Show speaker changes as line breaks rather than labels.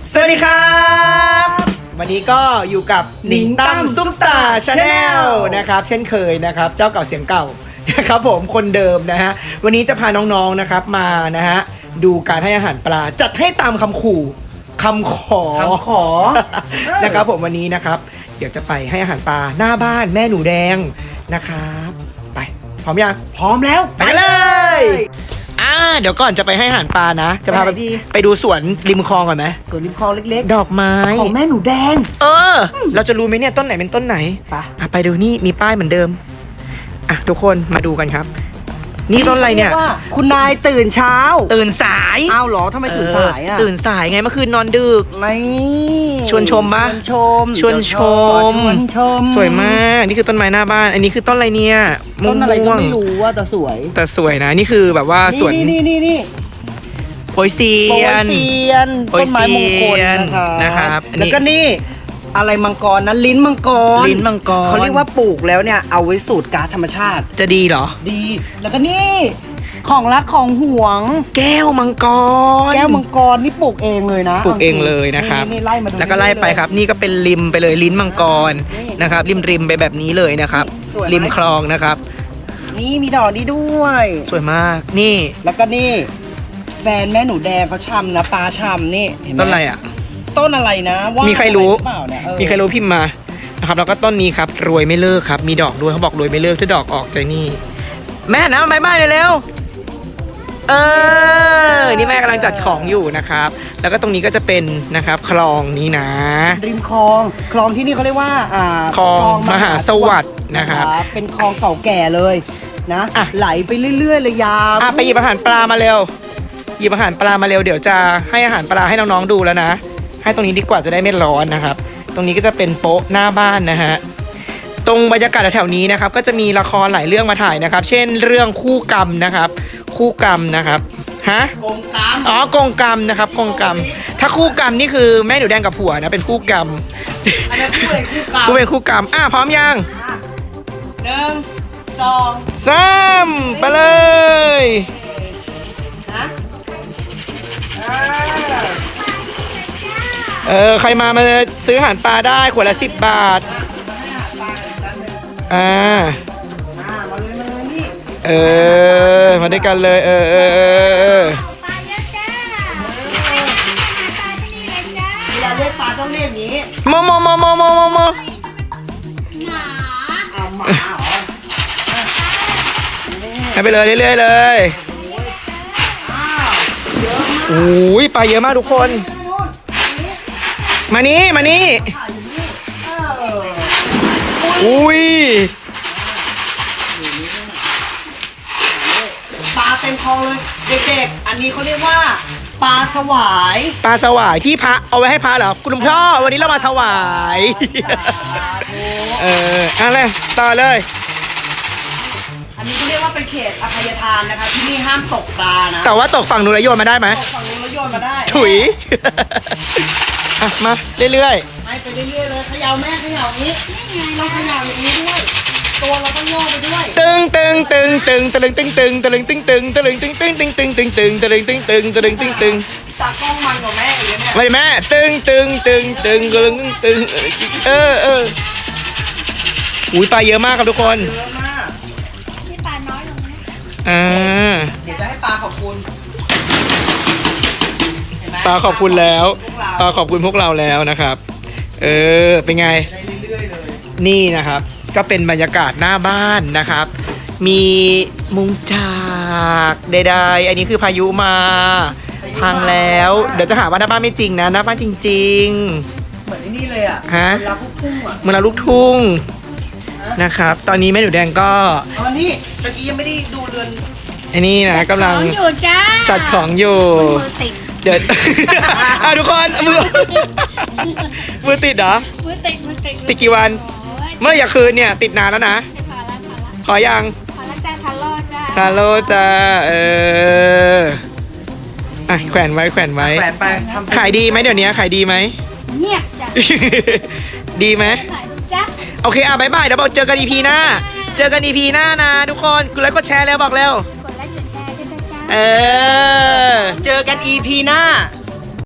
สวัสดีครับวันนี้ก็อยู่กับหนิงตั้มซุปตาชาแนลนะครับเช่นเคยนะครับเจ้าเก่าเสียงเก่านะครับผมคนเดิมนะฮะวันนี้จะพาน้องๆนะครับมานะฮะดูการให้อาหารปลาจัดให้ตามคำขู่คำขอ นะครับผมวันนี้นะครับเดี๋ยวจะไปให้อาหารปลาหน้าบ้านแม่หนูแดงนะครับไปพร้อมยังพร้อมแล้วไปเลยเดี๋ยวก่อนจะไปให้อาหารปลานะจะพาไปดูสวนริมคลองก่อนไหม
สวนริมคลองเล็ก
ๆดอกไม้
ของแม่หนูแดง
เราจะรู้ไหมเนี่ยต้นไหนเป็นต้นไหนไปดูนี่มีป้ายเหมือนเดิมทุกคนมาดูกันครับนี่ต้นอะไรเนี่ย
คุณนายตื่นเช้า
ตื่นสาย
อ้าวเหรอทำไมตื่นสาย
ตื่นสายไงเมื่อคืนนอนดึกชวนชมปะชวนชมสวยมากนี่คือต้นไม้หน้าบ้านอันนี้คือต้นอะไรเนี่ย
ต้นอะไรก็ไม่รู้ว่าแต่สวย
นะนี่คือแบบว่าสวน
นี่
โปยเซียน
ต้นไม้มงคลนะครับแล้วก็นี่อะไรมังกรนะลิ้นมังกรเขาเรียกว่าปลูกแล้วเนี่ยเอาไว้สูตรก๊าซธรรมชาติ
จะดีเหรอ
ดีแล้วก็นี่ของรักของห่วง
แก้วมังกร
นี่ปลูกเองเลยนะ
ปลูกเองเลยนะครับ
นี่ไล่มาดู
แล้วก็ไล่ไปครับนี่ก็เป็นริมไปเลยลิ้นมังกรนะครับริมไปแบบนี้เลยนะครับริมคลองนะครับ
นี่มีดอกนี้ด้วย
สวยมากนี่
แล้วก็นี่แฟนแม่หนูแดงเขาชำนะปลาชำนี่
ต้นอะไร
ต้นอะไรนะว่า
มีใครรู้มีใครรู้พิมพ์มานะครับแล้วก็ต้นนี้ครับรวยไม่เลิกครับมีดอกด้วยเขาบอกรวยไม่เลิกถ้าดอกออกใจนี่แม่นะบายเลยเร็วนี่แม่กำลังจัดของอยู่นะครับแล้วก็ตรงนี้ก็จะเป็นนะครับคลองนี้นะ
ริมคลองที่นี่เขาเรียกว่า
คลองมหาสวัสดิ์นะครับ
เป็นคลองเก่าแก่เลยนะไหลไปเรื่อยๆเลยยาว
ไปหยิบอาหารปลามาเร็วหยิบอาหารปลามาเร็วเดี๋ยวจะให้อาหารปลาให้น้องๆดูแล้วนะให้ตรงนี้ดีกว่าจะได้ไม่ร้อนนะครับตรงนี้ก็จะเป็นโป๊ะหน้าบ้านนะฮะตรงบรรยากาศแถวนี้นะครับก็จะมีละครหลายเรื่องมาถ่ายนะครับเช่นเรื่องคู่กรรมนะครับคู่กรรมนะครับ
กงกรรม
กงกรรมนะครับกงกรรมถ้าคู่กรรมนี่คือแม่หนูแดงกับผัวนะเป็นคู่กรรม
อันนั้นคู่
เป็นคู่กรรมพร้อมยัง
1 2
3ไปเลยใครมาซื้ออาหารปลาได้ขวดละ10 บาทมาด้วยกันเลย
ปลาเยอะจ้าเวลาเรียกปลาต้องเรียกอย่างนี้
หมาให้ไปเลยเรื่อยๆเลยโอ้ยปลาเยอะมากทุกคนมานี่อุ้ย
ปลาเต็มคลองเลยเด็กๆอันนี้เขาเรียกว่าปลาสวาย
ที่พระเอาไว้ให้พระเหรอคุณพ่อวันนี้เรามาถวายอะไรต่อเลย
อันนี้เขาเรียกว่าเป็นเขตอภัยทานนะคะที่นี่ห้ามตกปลานะ
แต่ว่าตกฝั่งนู้นแล้วโยนมาได้ไหม
ตกฝั่งนู้นแล้วโยนมาได้
ถุยมาเรื่อย
ๆไปเรื่อยๆเลยเขย่าแม่เขย่านี้เราเขย่าอย่างนี้ด้วยตัวเราต้องโยกไปด้วย
ตึงต
ากล้องมันกับแม่อย่างเงี้ย
ไม่แม่ตึงอุ้ยปลาเยอะมากครับทุกคน
เยอะมาก
ที่ปลาน้อยลงนะ
เดี๋ยวจะให้ปลาขอบคุณ
ปลาขอบคุณแล้วปลาขอบคุณพวกเราแล้วนะครับเป็นไงนี่นะครับก็เป็นบรรยากาศหน้าบ้านนะครับมีมุงจากใดๆอันนี้คือพายุมาพังแล้วเดี๋ยวจะหาว่าหน้าบ้านไม่จริงนะหน้าบ้านจริง
ๆเหมือนนี่เลย
เหมือนลูกทุ่งนะครับตอนนี้แม่หนูแดงก็
นี่ตะกี้ยังไม่ได้ดูเรือน
ไอ้นี่นะกำลังจัดของอยู่เดี๋ยวทุกคนมือติดเหรอ
มือ
ติดกี่วันเมื่ออยากคืนเนี่ยติดนานแล้วนะพอยัง
พอแล้วจ้า
ทาโร่จ้าแขวนไว้
ไป
ขายดีไหมเดี๋ยวนี้ขายดีไหม
เงียบจ้ะ
ดีไหมโอเคบ๊ายบายเดี๋ยวบอกเจอกัน EP หน้านะทุกคนกดไลค์กดแชร์แล้วบอกแล้ว
กดไลค์กดแชร์ด้วยจ้า
เจอกัน EP หน้า